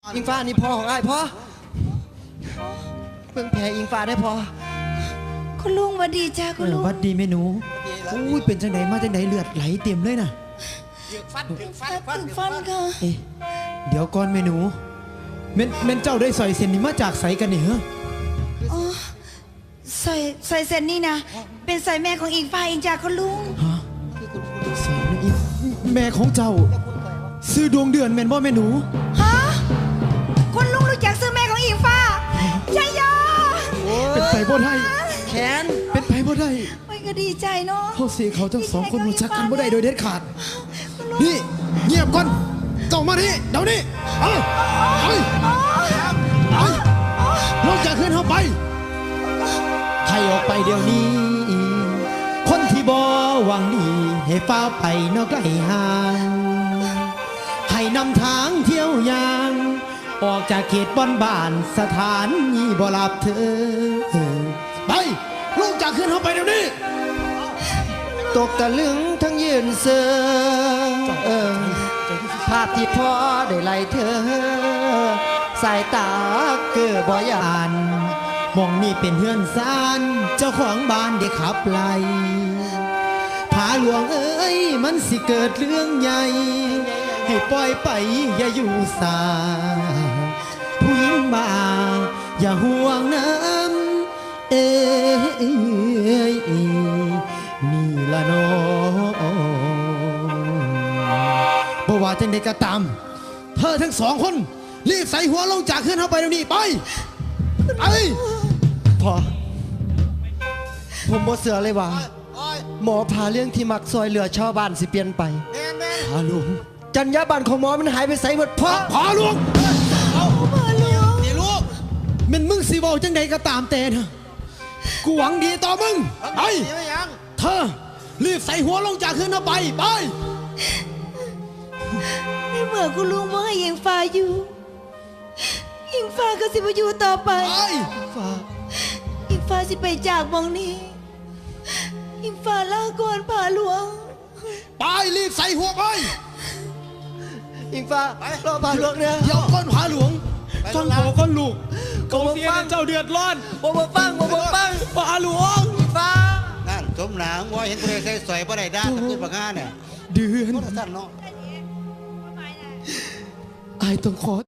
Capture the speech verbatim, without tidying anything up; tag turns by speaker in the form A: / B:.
A: อิงฟ้านี่พ่อของไอ้พ่อเพิ่งแพ้อิงฟ้าได้พอ
B: คุณลุงวัดดีจ้าคุณลุง
C: วัดดีเมนูอุ้ยเป็นจังไหนมาจังไหนเลือดไหลเต็มเลยนะ
B: ฟันฟันฟันฟันค่ะ
C: เอ๊ะเดี๋ยวก่อนเมนูเมนเมนเจ้าได้ใส่เส้นนี้มาจากใสกันนี่เหรอ
B: อ๋อใส่ใส่เส้นนี่นะเป็นใส่แม่ของอิงฟ้าอิงจ้าคุณลุง
C: ฮะใส่อีแม่ของเจ้าซื้อดวงเดือนเมนบ่เมนู
B: ฮะคุณลุงรู้จักซื้อแม่ของอิงฟ้าใช่ยอ
C: เป็นไปบ่ได้
A: แขน
C: เป็นไปบ่ได้
B: ไม่ก็ดีใจเนาะ
C: พ่อเสียเขาทั้งสองคนรู้จักกันบ่ได้โดยเด็ดขาดนี่เงียบก่อนเจ้ามาดิเดี๋ยวนี้เอาไปไปลงจากขึ้นเข้าไปให้ออกไปเดี๋ยวนี้คนที่บ่หวังดีให้ฟ้าไปนอกไกลห่างให้นำทางเที่ยวยางออกจากเขตบ้านบ้านสถานนี้บ่รับเธอไปลงจากขึ้นเข้าไปเดี๋ยวนี้
A: ตกตะลึงทั้งยืนเสือภาพที่พ่อได้ไล่เธอสายตาเกือบ่ยาน
C: มองนี่เป็นเฮือนซานเจ้าของบ้านได้ขับไล่ผาหลวงเอ้ยมันสิเกิดเรื่องใหญ่ให้ปล่อยไปอย่าอยู่สาผู้หญิงมาอย่าห่วงน้ำเอ้ยนี่ละน้องบ่ว่าจังใดก็ตามเธอทั้งสองคนรีบใส่หัวลงจากขึ้นเข้าไปเดี๋ยวนี้ไปไอ้
A: พ่อผมบ่เสือเลยว่าหมอพาเรื่องที่มักซอยเหลือชาวบ้านสิเปลี่ยนไป
C: พาหลวง
A: จัญญาบันของหมอมันหายไปใส่หมดพ่อ
C: พาหลวง
B: พาหลวง
C: นี่ลูกมันมึงสิบอกจังใดก็ตามแต่นะกูหวังดีต่อมึงไอ้เธอรีบใส่หัวลงจากขึ้นเข้าไปไป
B: ในเมื่อคุณลุงบ่ให้อิงฟ้าอยู่อิงฟ้าก็สิบ่อยู่ต่อไป
A: อิงฟ้า
B: อิงฟ้าสิไปจากมองนี้อิงฟ้าลาก่อนพาหลวง
C: ไปรีบใส่หัวไป
A: อิงฟ้ารอพาหลวงเนี่ย
C: เดี๋ยวก้อนพาหลวงฟังขอก้อนลูกกองเสียเจ้าเดือดร้อน
A: บ่บ่ฟังบ่บ่ฟัง
C: พาหลวง
A: อิงฟ้า
D: นั่นสมหนังว่าเห็นคนใส่สวยบ่ได้ด้าตะกุนบักงานเนี่ย
C: เดือน
D: สั้นเนาะ
C: ไอ้ต้องขอ